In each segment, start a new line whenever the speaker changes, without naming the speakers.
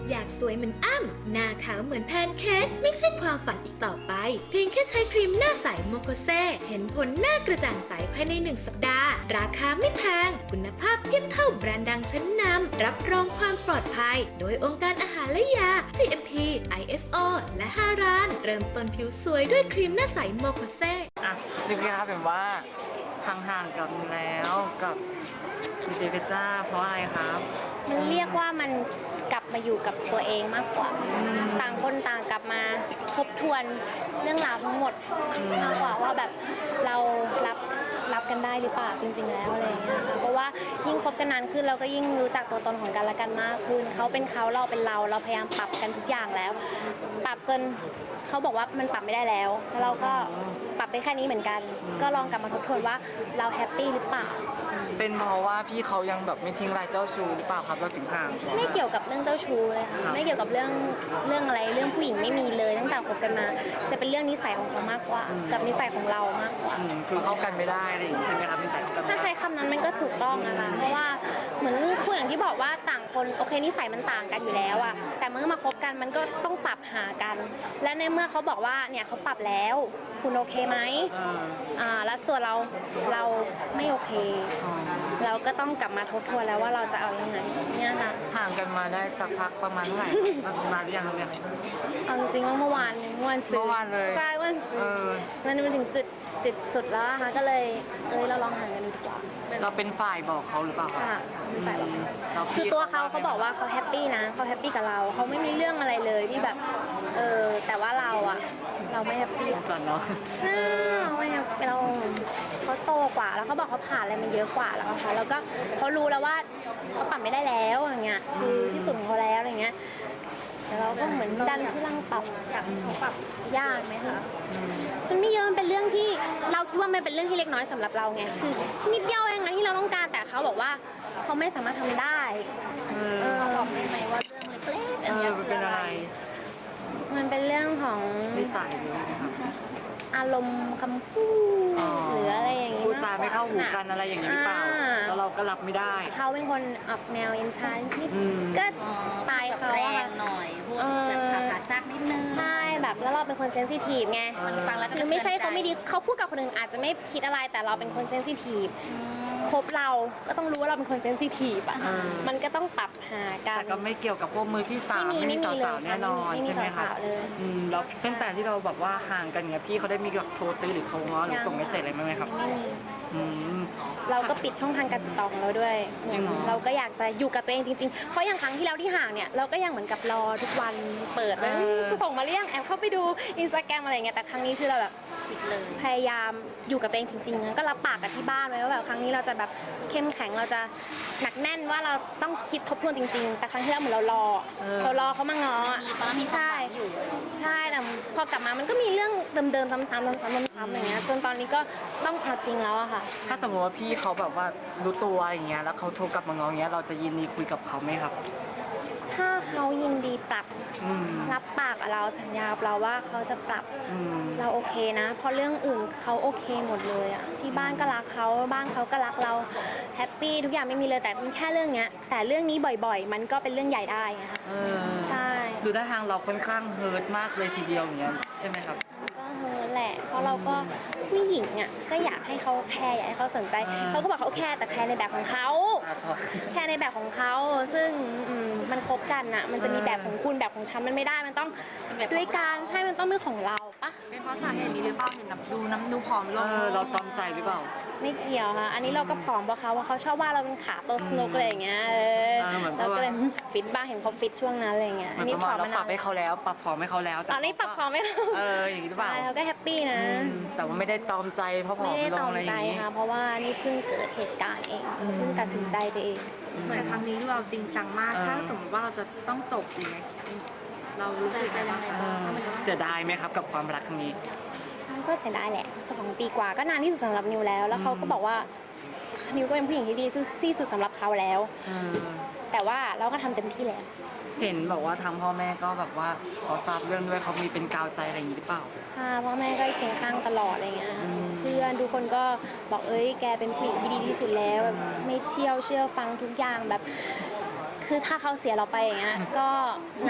อยากสวยเหมือนอ้ำหน้าขาวเหมือนแพนเค้กไม่ใช่ความฝันอีกต่อไปเพียงแค่ใช้ครีมหน้าใสโมโคเซเห็นผลหน้ากระจ่างใสภายใน1 สัปดาห์ราคาไม่แพงคุณภาพเทียบเท่าแบรนด์ดังชั้นนำรับรองความปลอดภัยโดยองค์การอาหารและยา GMP ISO และ5 ร้านเริ่มต้นผิวสวยด้วยครีมหน้าใสโมโคเซ
นึกนะครับแบบว่าห่างๆกันแล้วกับดีเจเพชรจ้าเพราะอะไรครับ
มันเรียกว่ามันกลับมาอยู่กับตัวเองมากกว่าต่างคนต่างกลับมาทบทวนเรื่องราวทั้งหมดมากกว่าว่าแบบเรารับกันได้หรือเปล่าจริงๆแล้วอะไรอย่างเงี้ยค่ะเพราะว่ายิ่งคบกันนานขึ้นเราก็ยิ่งรู้จักตัวตนของกันและกันมากขึ้นเขาเป็นเขาเราเป็นเราพยายามปรับกันทุกอย่างแล้วปรับจนเขาบอกว่ามันปรับไม่ได้แล้วเราก็ปรับได้แค่นี้เหมือนกันก็ลองกลับมาทบทวนว่าเราแฮปปี้หรือเปล่า
เป็นเพราะว่าพี่เขายังแบบไม่ทิ้งรายเจ้าชู้หรือเปล่าครับเราถึงห่าง
ไม่เกี่ยวกับเรื่องเจ้าชู้เลยค่ะไม่เกี่ยวกับเรื่องอะไรเรื่องผู้หญิงไม่มีเลยตั้งแต่คบกันมาจะเป็นเรื่องนิสัยของเขามากกว่ากับนิสัยของเรามากกว่า
คือเข้ากันไม่ได้อะไรอย่างนี้ใช่ไหมครับนิสัยของกัน
ถ้าใช้คำนั้นมันก็ถูกต้องนะคะเพราะว่าเหมือนผู้อย่างที่บอกว่าต่างคนโอเคนิสัยมันต่างกันอยู่แล้วอะแต่เมื่อมาคบกันมันก็ต้องปรับหากัน และในเมื่อเขาบอกว่าเนี่ยเขาปรับแล้วคุณโอเคไหมแล้วส่วนเราไม่โอเคเราก็ต้องกลับมาทบทวนแล้วว่าเราจะเอายังไงเนี่ยค่ะ
ห่างกันมาได้สักพักประมาณเท่าไหร่นานหรือยังเนี่ย
เอาจริงๆว่าเมื่อวานซื้อ
เมื่อวานเลย
ใช่วันซื้อมันถึงจุดสุดแล้วค่ะก็เลยเราลองห่างกันดูดีกว่า
เราเป็นฝ่ายบอกเขาหรือเปล่า
ค่ะเป็นฝ่ายบอกคือตัวเขาบอกว่าเขาแฮปปี้นะเขาแฮปปี้กับเราเขาไม่มีเรื่องอะไรเลยที่แบบแต่ว่าเราไม่แฮปปี้
ก่อนเนาะ
เราไม่แฮปปี้เขาโตกว่าแล้วเขาบอกเขาผ่านอะไรมาเยอะกว่าแล้วค่ะแล้วก็เขารู้แล้วว่าเขาปรับไม่ได้แล้วอย่างเงี้ยคือที่สุดของเขาแล้วอะไรเงี้ยแต่เราก็เหมือนดันทุลังปรับยากไหมคะมันไม่เยอะมันเป็นเรื่องที่เราคิดว่ามันเป็นเรื่องที่เล็กน้อยสำหรับเราไงคือนิดเดียวเองนะที่เราต้องการแต่เขาบอกว่าเขาไม่สามารถทำได้บอกได้ไหมว่าเรื่องเล็กๆอันนี้
เป็นอะไร
มันเป็นเรื่องของ
นิสัยหรืออะไรครับ
อารมณ์คำพูดหรืออะไรอย่างนี้
พูดจาไม่เข้าหูกันอะไรอย่างนี้หรือเปล่าแล้วเราก็รับไม่ได้
เขาเป็นคนออกแนวเย็นชานิดก็สไตล์เขา
แรงหน่อยพูดแบบขาซักนิดนึง
ใช่แบบแล้วเราเป็นคนเซนซิทีฟไงฟังแล้วคือไม่ใช่เขาไม่ดีเขาพูดกับคนอื่นอาจจะไม่คิดอะไรแต่เราเป็นคนเซนซิทีฟคบเราก็ต้องรู้ว่าเราเป็นคนเซนซิทีฟมันก็ต้องปรับหากัน
แต่ก็ไม่เกี่ยวกับพวกมือที่สามไม่มีสาวๆแน่นอนใช่ไหมคะแล้วตั้งแต่ที่เราแบบว่าห่างกันเนี่ยพี่เขาได้มีแบบโทรตื้อหรือโทรง้อหรือส่งเมสเซจอะไรไหมครับ
ไม่มีเราก็ปิดช่องทางการติดต่อของเราด้วยเราก็อยากจะอยู่กับตัวเองจริงๆเพราะอย่างครั้งที่แล้วที่ห่างเนี่ยเราก็ยังเหมือนกับรอทุกวันเปิดเลยส่งมาเรียงแอบเข้าไปดู Instagram อะไรเงี้ยแต่ครั้งนี้คือเราแบบปิดเลยพยายามอยู่กับตัวเองจริงๆก็รับปากกับที่บ้านไว้ว่าแบบครั้งนี้เราจะแบบเข้มแข็งเราจะหนักแน่นว่าเราต้องคิดทบทวนจริงๆแต่ครั้งที่แล้วเหมือนเรารอเขามาง้อใช่แต่พอกลับมามันก็มีเรื่องเดิมๆซ้ำๆอย่างเงี้ยจนตอนนี้ก็ต้องเอาจริงแล้วอะค่ะ
ถ้าสมมติว่าพี่เขาแบบว่ารู้ตัวอย่างเงี้ยแล้วเขาโทรกลับมาง้ออย่างเงี้ยเราจะยินดีคุยกับเขาไหมครับ
ถ้าเขายินดีปรับรับปากกับเราสัญญากับเราว่าเขาจะปรับเราโอเคนะเพราะเรื่องอื่นเขาโอเคหมดเลยอะที่บ้านก็รักเขาบ้านเขาก็รักเราแฮปปี้ทุกอย่างไม่มีเลยแต่เป็นแค่เรื่องเนี้ยแต่เรื่องนี้บ่อยๆมันก็เป็นเรื่องใหญ่ได้ไงคะใช่
คือได้ทางเราค่อนข้างเฮิร์ตมากเลยทีเดียวอย่างเงี้ยใช่ไหมครับ
ก็เฮิร์ตแหละเพราะเราก็ผู้หญิงอ่ะก็อยากให้เขาแคร์อยากให้เขาสนใจเขาก็บอกเขาแคร์แต่แคร์ในแบบของเขาแคร์ในแบบของเขาซึ่งมันคบกันอ่ะมันจะมีแบบของคุณแบบของฉันมันไม่ได้มันต้องด้วยการใช่มันต้องเป็นของเราปะ
เป็นเพราะสาเหตุนี้หรือเปล่าเห็นแบบดูผอมลง
เราตอมใจหรือเปล่า
ไม่เกี่ยวค่ะอันนี้เราก็ผอมเพราะเขาชอบว่าเราเป็นขาโตสนุกอะไรอย่างเงี้ยเราก็เลยฟิตบ้างเห็นเขาฟิตช่วงนั้นอะไรเงี้ย
อันนี้ผอมเราปรับให้เขาแล้วปรับผอมให้เขาแล้ว
ตอนนี้ปรับผอมให้เขา
อย่างนี้หรือเปล่า
เขาก็แฮปปี้นะ
แต่ว่าไม่ได้ตอมใจเพราะผอมลงอะไรอย่างนี้
ค่ะเพราะว่านี่เพิ่งเกิดเหตุการณ์เองเพิ่งตัดสินใจไปเอง
เหมือนครั้งนี้เราจริงจังมากถ้าสมมติว่าเราจะต้องจบอีกไหมเรารู้สึกยังไง
เสียดายไหมครับกับความรักครั้งนี้
ก็เสียดายแหละ2 ปีกว่าก็นานที่สุดสำหรับนิวแล้วเขาก็บอกว่านิวก็เป็นผู้หญิงที่ดีที่สุดสำหรับเขาแล้วแต่ว่าเราก็ทำเต็มที่แล้ว
เห็นบอกว่าทางพ่อแม่ก็แบบว่าขอทราบเรื่องด้วยเขามีเป็นกาวใจอะไรอย่างนี้หรือเปล่า
พ่อแม่ก็เคียงข้างตลอดอะไรเงี้ยเพื่อนทุกคนก็บอกแกเป็นผู้หญิงที่ดีที่สุดแล้วไม่เชื่อฟังทุกอย่างแบบคือถ้าเขาเสียเราไปอย่างเงี้ยก็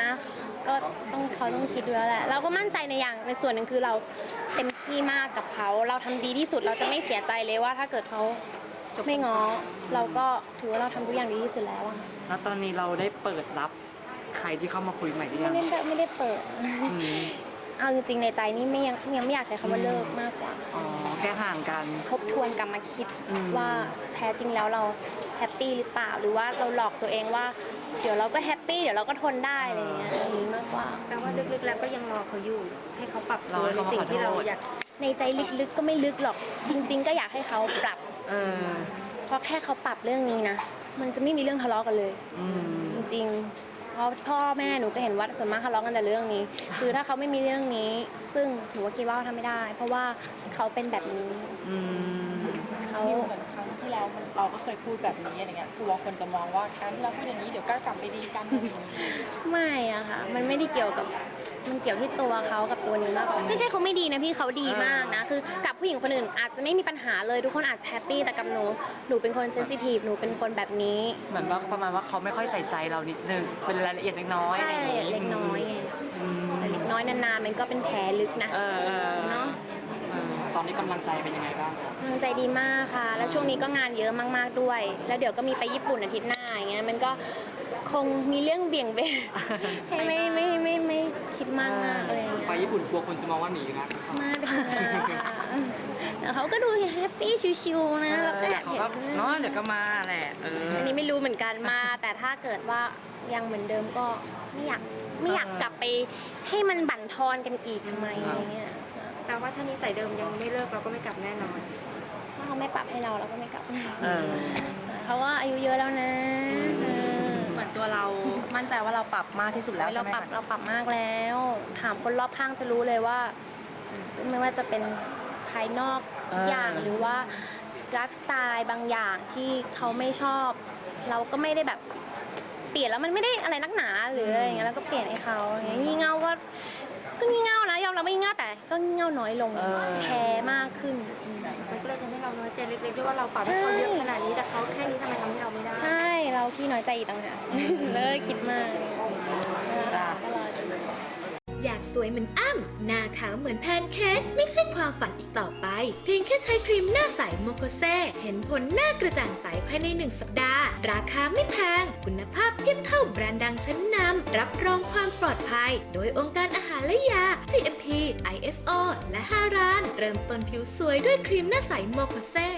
ก็เขาต้องคิดดูแล้วแหละเราก็มั่นใจในส่วนหนึ่งคือเราเต็มที่มากกับเขาเราทำดีที่สุดเราจะไม่เสียใจเลยว่าถ้าเกิดเขาไม่ง้อเราก็ถือว่าเราทำทุกอย่างดีที่สุดแล้วอะ
แล้วตอนนี้เราได้เปิดรับใครที่เข้ามาคุยใหม่หรือยัง
ไม่ได้เปิด
อืม
เอาจริงๆในใจนี่ยังไม่อยากใช้คำว่าเลิกมากกว่า
อ๋อแค่ห่างกัน
ทบทวนกลับมาคิด
อืม
ว่าแท้จริงแล้วเราแฮปปี้หรือเปล่าหรือว่าเราหลอกตัวเองว่าเดี๋ยวเราก็แฮปปี้เดี๋ยวเราก็ทนได้อะไรอย่างเงี้ยอย่างนี้มากกว่า
แปลว่าลึกๆแล้วก็ยังรอเขาอยู่ ให้เขาปรับตัวในสิ่งที่เราอยาก
ในใจลึกๆก็ไม่ลึกหรอกจริง ๆ ก็อยากให้เขาปรับ
เออ
เพราะแค่เขาปรับเรื่องนี้นะมันจะไม่มีเรื่องทะเลาะกันเลย
อืม
จริงๆ เพราะพ่อแม่หนูก็เห็นว่าส่วนมากทะเลาะกันแต่เรื่องนี้ คือถ้าเขาไม่มีเรื่องนี้ ซึ่งหนูก็คิดว่าเขาทำไม่ได้ เพราะว่าเขาเป็นแบบนี้
อืม
เขา
นี่เหมือนครั้งที่แล้วเราก็เคยพูดแบบนี้อะไรเงี้ยกลัวคนจะมองว่าการที่เราพูดอย่างนี้เดี๋ยวก็กลับไปดีกันอะไรอย่างนี้
ไม่อะค่ะ มันไม่ได้เกี่ยวกับ มันเกี่ยวที่ตัวเขากับตัวนี้มากกว่าไม่ใช่เขาไม่ดีนะพี่เขาดีมากนะ คือกับผู้หญิงคนอื่นอาจจะไม่มีปัญหาเลยทุกคนอาจจะแฮปปี้แต่กับหนูเป็นคนเซนซิทีฟหนูเป็นคนแบบนี้
เหมือนว่าประมาณว่าเขาไม่ค่อยใส่ใจเรานิดนึงเป็นรายละเอียดเล็กน้อย
ใช่
อะไรอย่างงี้
เล็กน้อยไง
อืม
แต่เล็กน้อยนานๆมันก็เป็นแผลลึกนะ
เออ
เนาะ
ตอนนี้กำลังใจเป็นยังไงบ้าง
กำลังใจดีมากค่ะ แล้วช่วงนี้ก็งานเยอะมากๆด้วย แล้วเดี๋ยวก็มีไปญี่ปุ่นอาทิตย์หน้าอย่างเงี้ย มันก็คงมีเรื่องเบี่ยงเบน ให้ไม่คิดมากอะไรอย่างเงี้ย
ไปญี่ปุ่นกลัวคนจะมองว่าหนีนะ
มาไปทำงานค่ะแต่เขาก็ดูแฮปปี้ชิวๆนะแล้วก็อยาก
เขา
เห็น
ก็เนาะเดี๋ยวก็มาแหละ
อันนี้ไม่รู้เหมือนกันมา แต่ถ้าเกิดว่ายังเหมือนเดิมก็ไม่อยากกลับไปให้มันบั่นทอนกันอีกทำไมอะไรเงี้ย
แปลว่าถ้านิสัยเดิมยังไม่เลิกเราก็ไม่กลับแน่นอน
ถ้าเขาไม่ปรับให้เราก็ไม่กลับ
เออ
เขาว่าอายุเยอะแล้วนะ
เหมือนตัวเรามั่นใจว่าเราปรับมากที่สุดแล้ว
เรา
ใช่ไหม
ปรับ
คะ
เราปรับมากแล้ว ถามคนรอบข้างจะรู้เลยว่าไม่ว่าจะเป็นภายนอกทุกอย่างหรือว่าไลฟ์สไตล์บางอย่างที่เขาไม่ชอบ เราก็ไม่ได้แบบเปลี่ยนแล้วมันไม่ได้อะไรนักหนาหรืออะไรอย่างเงี้ยแล้วก็เปลี่ยนให้เขาอย่างเงี้ยงี่เง่าก็งี่เง่านะยอมรับว่างี่เง่าแต่ก็งี่เง่าน้อยลงแคร์มากขึ้น
มันก็เลยทำให้เราน้อยใจเล็กๆด้วยว่าเราปรับให้เขาเยอะขนาดนี้แต่เขาแค่นี้ทำไมทำให้เราไม่ได้
ใช่เราขี้น้อยใจอีกต่างหากเลิกคิดมาก
จ้ะ
ก็รอดู
อยากสวยเหมือนอ้ำหน้าขาวเหมือนแพนเค้กไม่ใช่ความฝันอีกต่อไป เพียงแค่ใช้ครีมหน้าใสโมโคเซเห็นผลหน้ากระจ่างใสภายใน1 สัปดาห์ ราคาไม่แพง คุณภาพเทียบเท่าแบรนด์ดังชั้นนำรับรองความปลอดภัย โดยองค์การอาหารและยา GMP ISO และ5 ร้าน เริ่มต้นผิวสวยด้วยครีมหน้าใสโมโคเซ